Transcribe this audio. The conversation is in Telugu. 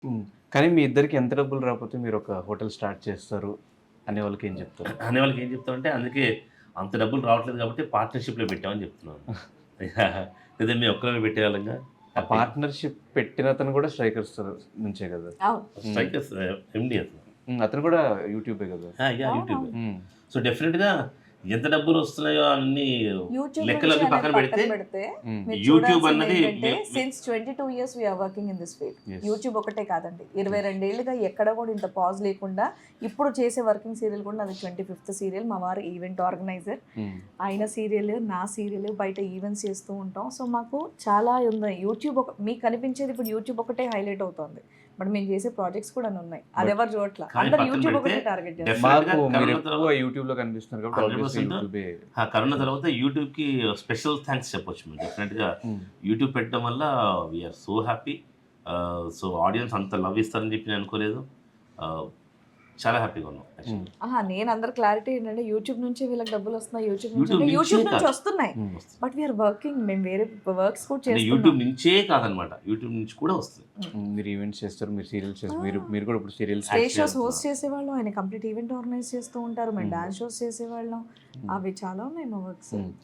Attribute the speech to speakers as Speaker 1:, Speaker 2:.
Speaker 1: హ్మ్. కానీ మీ ఇద్దరికి ఎంత డబ్బులు రాకపోతే మీరొక హోటల్ స్టార్ట్ చేస్తారు అనే వాళ్ళకేం చెప్తారు?
Speaker 2: అనే వాళ్ళకి ఏం చెప్తామంటే అందుకే అంత డబ్బులు రావట్లేదు కాబట్టి పార్ట్నర్‌షిప్‌లో పెట్టామని చెప్తున్నాను. లేదా మేము ఒక్కరమే పెట్టేవాళ్ళంగా
Speaker 1: ఆ
Speaker 2: హ్యాపీగా.
Speaker 1: పార్ట్నర్‌షిప్ పెట్టినతను గూడా స్ట్రైకర్స్ నుంచే గదా!
Speaker 3: అవును.
Speaker 1: హ్మ్.
Speaker 2: స్ట్రైకర్స్ ఎండీ అతను.
Speaker 1: అతను గూడా యూట్యూబే గదా!
Speaker 2: యాహ్! యూట్యూబే.
Speaker 3: అవునవును.
Speaker 1: హ్మ్.
Speaker 2: సో, డెఫినిట్‌గా ఎంత డబ్బులొస్తున్నాయో అన్నీ
Speaker 3: యూట్యూబ్ నుంచి
Speaker 2: లెక్కలవి
Speaker 3: అనేది
Speaker 2: పక్కన
Speaker 3: పక్కన
Speaker 2: పెడితే
Speaker 3: పెడితే
Speaker 1: హ్మ్.
Speaker 3: మీరు
Speaker 2: యూట్యూబ్
Speaker 3: చూడాల్సింది
Speaker 2: అన్నది
Speaker 3: ఏంటంటే
Speaker 2: మే
Speaker 3: since 22 years we are working in this field.
Speaker 1: Yes.
Speaker 3: YouTube ఒకటే కాదండి.
Speaker 1: యెస్.
Speaker 3: 22 ఏళ్లుగా ఎక్కడ కూడా ఇంత పాజ్ లేకుండా ఇప్పుడు చేసే వర్కింగ్ సీరియల్ కూడా నాది 25th సీరియల్. మా వారు ఈవెంట్ ఆర్గనైజర్.
Speaker 1: హ్మ్.
Speaker 3: ఆయన సీరియల్, నా సీరియల్ బయట ఈవెంట్స్ చేస్తూ ఉంటాం. సో మాకు చాలా ఉన్నాయి. యూట్యూబ్ మీకు కనిపించేది ఇప్పుడు యూట్యూబ్ ఒకటే హైలైట్ అవుతోంది. బట్ మేము చేసే ప్రాజెక్ట్స్ కూడా ఉన్నాయి.
Speaker 1: బట్
Speaker 3: అదెవరు చూడట్ల.
Speaker 2: కానీ
Speaker 3: అందరూ
Speaker 2: పక్కన
Speaker 3: యూట్యూబ్
Speaker 2: పెడితే
Speaker 3: ఒకటే టార్గెట్ చేస్తారు.
Speaker 2: డెఫినిట్‌గా
Speaker 1: మాకు
Speaker 2: కరోనా
Speaker 1: మీరెక్కువ
Speaker 2: తర్వాత
Speaker 1: యూట్యూబ్‌లో కనిపిస్తున్నారు కాబట్టి ఆబ్వియస్‌గా
Speaker 2: 100%
Speaker 1: యూట్యూబే
Speaker 2: కరోనా
Speaker 1: చూస్తారు.
Speaker 2: తర్వాత యూట్యూబ్‌కి స్పెషల్ థాంక్స్ చెప్పొచ్చు మేము. డెఫినిట్‌గా
Speaker 1: హ్మ్.
Speaker 2: యూట్యూబ్ పెట్టడం వల్ల we are so happy. So, audience అంత లవ్ ఇస్తారని చెప్పి నేను అనుకోలేదు. ఆహ్, చాలా హ్యాపీగా ఉన్నాం
Speaker 1: హ్మ్.
Speaker 2: యాక్చువల్‌గా.
Speaker 3: నేను అందరి క్లారిటీ ఏంటంటే యూట్యూబ్ నుంచే వీళ్ళకి డబ్బులొస్తున్నాయి. యూట్యూబ్ నుంచి
Speaker 2: యూట్యూబ్
Speaker 3: అంటే
Speaker 2: నుంచే
Speaker 3: యూట్యూబ్ నుంచి
Speaker 2: కాదు.
Speaker 3: వస్తున్నాయి.
Speaker 1: హ్మ్.
Speaker 2: వస్తుంది.
Speaker 3: But we are working. మేము వేరే వర్క్స్ కూడా
Speaker 2: అంటే
Speaker 3: చేస్తున్నాం.
Speaker 2: యూట్యూబ్ నుంచే కాదనమాట. యూట్యూబ్ నుంచి కూడా వస్తుంది.
Speaker 3: హ్మ్.
Speaker 1: మీరు ఈవెంట్స్ చేస్తారు. మీరు సీరియల్స్
Speaker 3: ఆ!
Speaker 1: చేస్తారు. మీరు మీరు కూడా ఇప్పుడు సీరియల్స్
Speaker 3: స్టేజ్
Speaker 2: యాక్చువల్లీ
Speaker 3: షోస్
Speaker 2: వెళ్తున్నాం.
Speaker 3: హోస్ట్ చేసేవాళ్ళం. ఆయన కంప్లీట్ ఈవెంట్ ఆర్గనైజ్ చేస్తూ ఉంటారు. మేము
Speaker 1: హ్మ్.
Speaker 3: డాన్స్ షోస్ చేసేవాళ్ళం.
Speaker 1: హ్మ్.
Speaker 3: అవి చాలా ఉన్నాయి మా వర్క్స్.
Speaker 1: హ్మ్.